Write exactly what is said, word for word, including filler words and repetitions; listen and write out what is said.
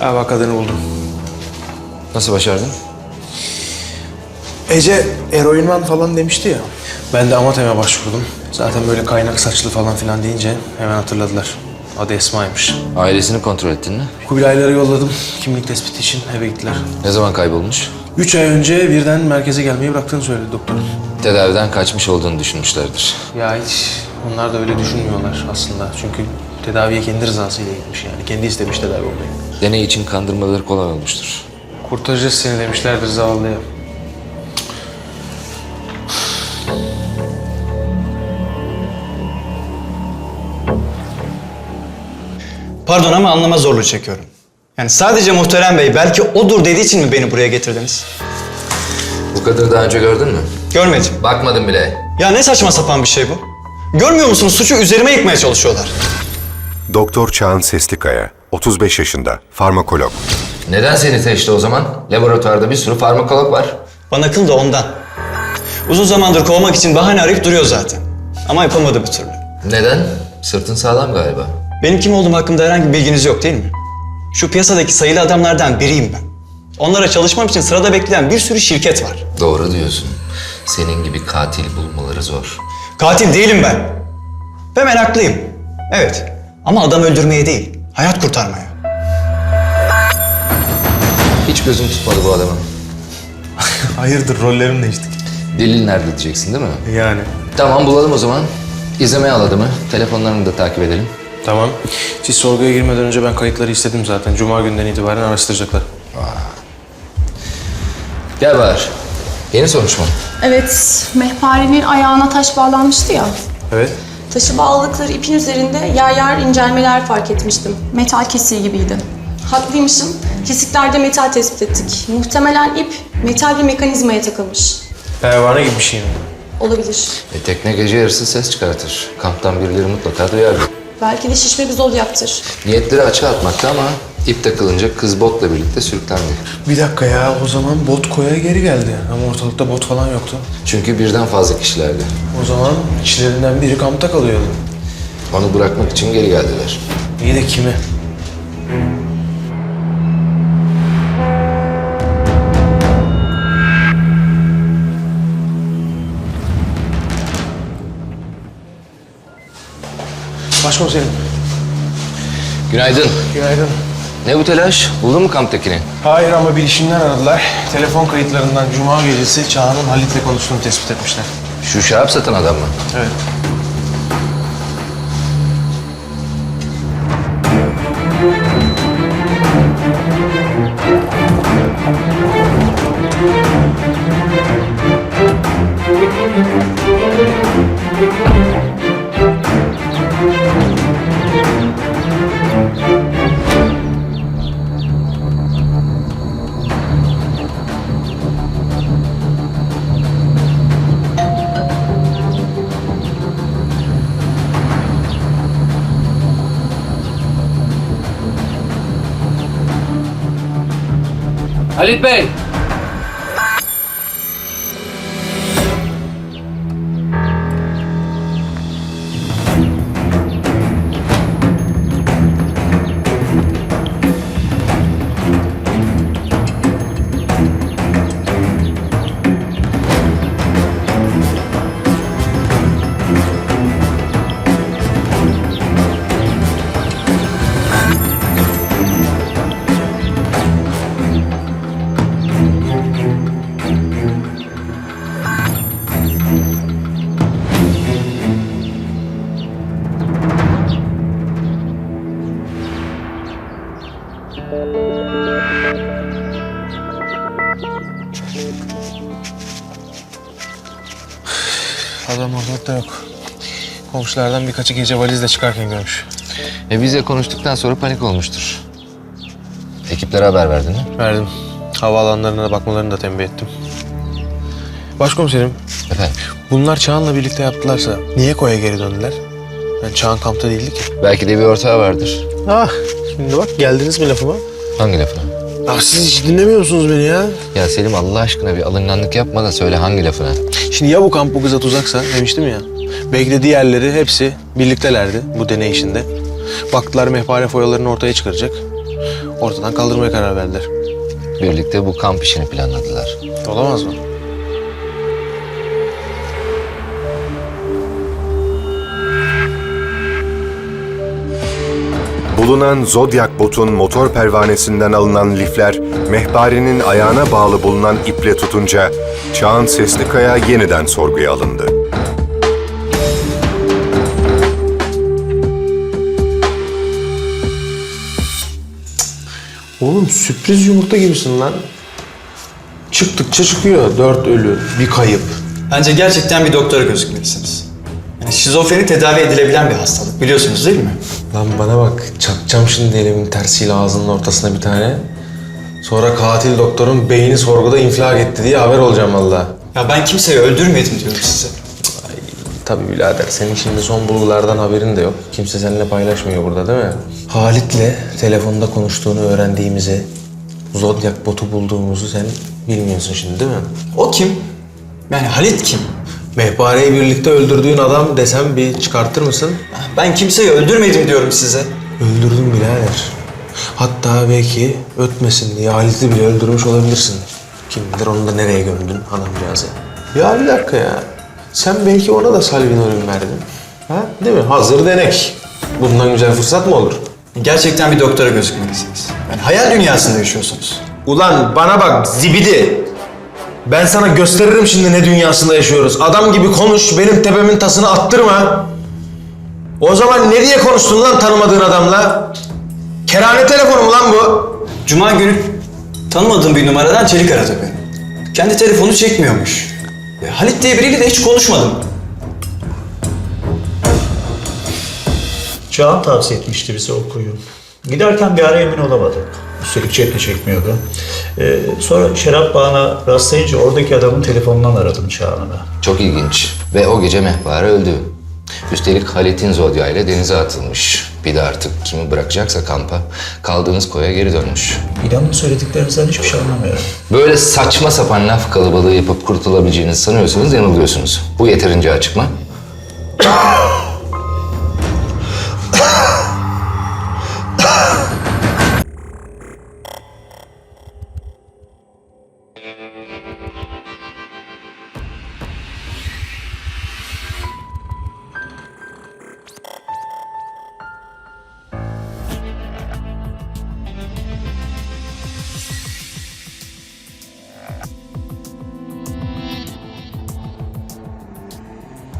Ha bak kadını buldum. Nasıl başardın? Ece eroinman falan demişti ya. Ben de Amatem'e başvurdum. Zaten böyle kaynak saçlı falan filan deyince hemen hatırladılar. Adı Esma'ymış. Ailesini kontrol ettin mi? Kubilayları yolladım. Kimlik tespiti için eve gittiler. Ne zaman kaybolmuş? Üç ay önce birden merkeze gelmeyi bıraktığını söyledi doktor. Tedaviden kaçmış olduğunu düşünmüşlerdir. Ya hiç onlar da öyle düşünmüyorlar aslında. Çünkü tedaviye kendi rızasıyla gitmiş yani. Kendi istemiş tedavi olmayı. Deney için kandırmaları kolay olmuştur. Kurtaracağız seni demişlerdir zavallıya. Pardon ama anlama zorluğu çekiyorum. Yani sadece Muhterem Bey belki odur dediği için mi beni buraya getirdiniz? Bu kadını daha önce gördün mü? Görmedim. Bakmadım bile. Ya ne saçma sapan bir şey bu? Görmüyor musunuz? Suçu üzerime yıkmaya çalışıyorlar. Doktor Çağan Seslikaya, otuz beş yaşında, farmakolog. Neden seni seçti o zaman? Laboratuvarda bir sürü farmakolog var. Bana kıl da ondan. Uzun zamandır kovmak için bahane arayıp duruyor zaten. Ama yapamadı bir türlü. Neden? Sırtın sağlam galiba. Benim kim olduğum hakkında herhangi bir bilginiz yok değil mi? Şu piyasadaki sayılı adamlardan biriyim ben. Onlara çalışmam için sırada bekleyen bir sürü şirket var. Doğru diyorsun. Senin gibi katil bulmaları zor. Katil değilim ben. Ve meraklıyım. Evet. Ama adam öldürmeye değil, hayat kurtarmaya. Hiç gözüm tutmadı bu adamın. Hayırdır rollerim değişti. Delil nerede diyeceksin değil mi? Yani. Tamam bulalım o zaman. İzlemeye al adamı. Telefonlarını da takip edelim. Tamam. Siz sorguya girmeden önce ben kayıtları istedim zaten. Cuma günden itibaren araştıracaklar. Gel Bahar. Yeni sonuç mu? Evet, mehparenin ayağına taş bağlanmıştı ya. Evet. Taşı bağladıkları ipin üzerinde yer yer incelmeler fark etmiştim. Metal kesiği gibiydi. Haklıymışım. Kesiklerde metal tespit ettik. Muhtemelen ip metal bir mekanizmaya takılmış. Pervane gibi bir şey mi? Olabilir. E, tekne gece yarısı ses çıkartır. Kamptan birileri mutlaka duyardı. Belki de şişme bir zol yaptır. Niyetleri açığa atmakta ama ip takılınca kız botla birlikte sürüklendi. Bir dakika ya, o zaman bot koya geri geldi. Ama ortalıkta bot falan yoktu. Çünkü birden fazla kişilerdi. O zaman içlerinden biri kampta kalıyordu. Onu bırakmak için geri geldiler. İyi de kimi? Başkomiserim. Günaydın. Günaydın. Ne bu telaş? Buldun mu kamptakini? Hayır ama bilişimden aradılar. Telefon kayıtlarından Cuma gecesi Çağan'ın Halit'le konuştuğunu tespit etmişler. Şu şarap satan adam mı? Evet. Halit Bey! Adam ortalıkta yok. Komşulardan birkaçı gece valizle çıkarken görmüş. E bizle konuştuktan sonra panik olmuştur. Ekiplere haber verdin mi? Verdim. Havaalanlarına da bakmalarını da tembih ettim. Başkomiserim, Efendim? bunlar Çağan'la birlikte yaptılarsa niye koya geri döndüler? Yani Çağan kampta değildi ki. Belki de bir ortağı vardır. Ah, şimdi bak geldiniz mi lafıma? Hangi lafına? Ah, siz hiç dinlemiyor musunuz beni ya? Ya Selim Allah aşkına bir alınganlık yapma da söyle hangi lafına? Şimdi ya bu kamp bu kıza tuzaksa demiştim ya. Belki de diğerleri hepsi birliktelerdi bu deney işinde. Baktılar mehpare foyalarını ortaya çıkaracak. Ortadan kaldırmaya karar verdiler. Birlikte bu kamp işini planladılar. Olamaz mı? Bulunan Zodiac botun motor pervanesinden alınan lifler, mehparenin ayağına bağlı bulunan iple tutunca Çağan Seslikaya yeniden sorguya alındı. Oğlum sürpriz yumurta gibisin lan. Çıktıkça çıkıyor. Dört ölü, bir kayıp. Bence gerçekten bir doktora gözükmelisiniz. Yani şizofreni tedavi edilebilen bir hastalık, biliyorsunuz değil mi? Lan bana bak, çakacağım şimdi elimin tersiyle ağzının ortasına bir tane. Sonra katil doktorun beyni sorguda infilak etti diye haber olacağım vallahi. Ya ben kimseyi öldürmedim diyorum size. Tabii birader, senin şimdi son bulgulardan haberin de yok. Kimse seninle paylaşmıyor burada değil mi? Halit'le telefonda konuştuğunu öğrendiğimizi, Zodiac botu bulduğumuzu sen bilmiyorsun şimdi değil mi? O kim? Yani Halit kim? Mehpareyi birlikte öldürdüğün adam desem bir çıkartır mısın? Ben kimseyi öldürmedim diyorum size. Öldürdün birader. Hatta belki ötmesin diye Halit'i bile öldürmüş olabilirsin. Kim bilir onu da nereye gömdün adamcağızı. Ya bir dakika ya. Sen belki ona da salvinorin verdin. Ha? Değil mi? Hazır denek. Bundan güzel fırsat mı olur? Gerçekten bir doktora gözükmelisiniz. Yani hayal dünyasında yaşıyorsunuz. Ulan bana bak zibidi. Ben sana gösteririm şimdi ne dünyasında yaşıyoruz. Adam gibi konuş, benim tepemin tasını attırma. O zaman ne diye konuştun lan tanımadığın adamla? Kerane telefonu mu lan bu? Cuma günü tanımadığım bir numaradan Çelik aradı beni. Kendi telefonu çekmiyormuş. E, Halit diye biriyle de hiç konuşmadım. Çağan tavsiye etmişti bize okuyu. Giderken bir ara emin olamadık. Üstelik cep de çekmiyordu. Ee, sonra şarap bağına rastlayınca oradaki adamın telefonundan aradım Çağan'ı da. Çok ilginç. Ve o gece mehpare öldü. Üstelik Halit'in Zodya ile denize atılmış. Bir de artık kimi bırakacaksa kampa kaldığınız koya geri dönmüş. İnanın söylediklerinizden hiçbir şey anlamıyorum. Böyle saçma sapan laf kalabalığı yapıp kurtulabileceğinizi sanıyorsanız yanılıyorsunuz. Bu yeterince açık mı?